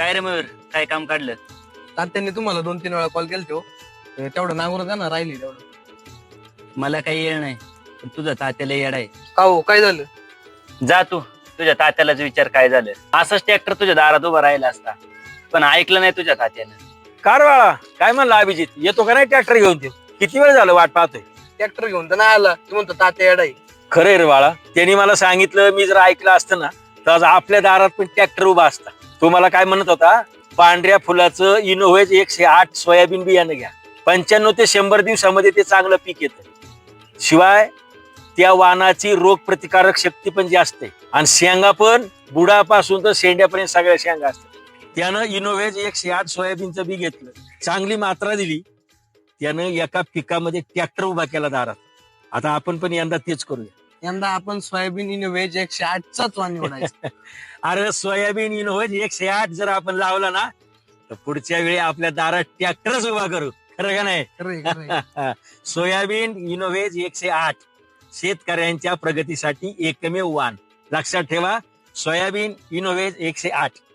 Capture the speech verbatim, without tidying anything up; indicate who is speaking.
Speaker 1: काय रे मयूर, काय काम काढलं?
Speaker 2: तात्यांनी तुम्हाला दोन तीन वेळा कॉल केला तो तेवढं नांगरून द्या ना, राहिली तेवढं.
Speaker 1: मला काही येळ नाही, पण तुझं तात्याला येड आहे.
Speaker 2: का हो, काय झालं?
Speaker 1: जा तू, तुझ्या तात्यालाच विचार काय झालं. असंच ट्रॅक्टर तुझ्या दारात उभा राहिला असता, पण ऐकलं नाही तुझ्या तात्यानं.
Speaker 3: कारवाळा काय म्हणला अभिजित, येतो का नाही ट्रॅक्टर घेऊन ते? किती वेळ झालं वाट पाहतोय.
Speaker 2: ट्रॅक्टर घेऊन तर नाही आला, तू म्हणतो तात्या येडाई.
Speaker 3: खरंय रे बाळा, त्यांनी मला सांगितलं, मी जर ऐकलं असतं ना तर आज आपल्या दारात पण ट्रॅक्टर उभा असता. तो मला काय म्हणत होता, पांढऱ्या फुलाचं इनोव्हेज एकशे आठ सोयाबीन बियाणं घ्या, पंच्याण्णव ते शंभर दिवसामध्ये ते चांगलं पीक येतं. शिवाय त्या वाणाची रोग प्रतिकारक शक्ती पण जास्त आहे आणि शेंगा पण बुडापासून तर शेंड्यापर्यंत सगळ्या शेंगा असतात. त्यानं इनोव्हेज एकशे आठ सोयाबीनचं बी घेतलं, चांगली मात्रा दिली, त्यानं एका पिकामध्ये ट्रॅक्टर उभा केला दारात. आता आपण पण यंदा तेच करूया.
Speaker 2: यंदा आपण सोयाबीन इनोव्हेज एकशे आठचाच वाण निवडायचा.
Speaker 3: अरे सोयाबीन इनोव्हेज एकशे आठ जर आपण लावला ना तर पुढच्या वेळी आपल्या दारात ट्रॅक्टरच उभा करू. खरं का नाही?
Speaker 2: खरंय, खरंय.
Speaker 3: सोयाबीन इनोव्हेज एकशे आठ शेतकऱ्यांच्या प्रगतीसाठी एकमेव वाण. लक्षात ठेवा, सोयाबीन इनोव्हेज एकशे आठ.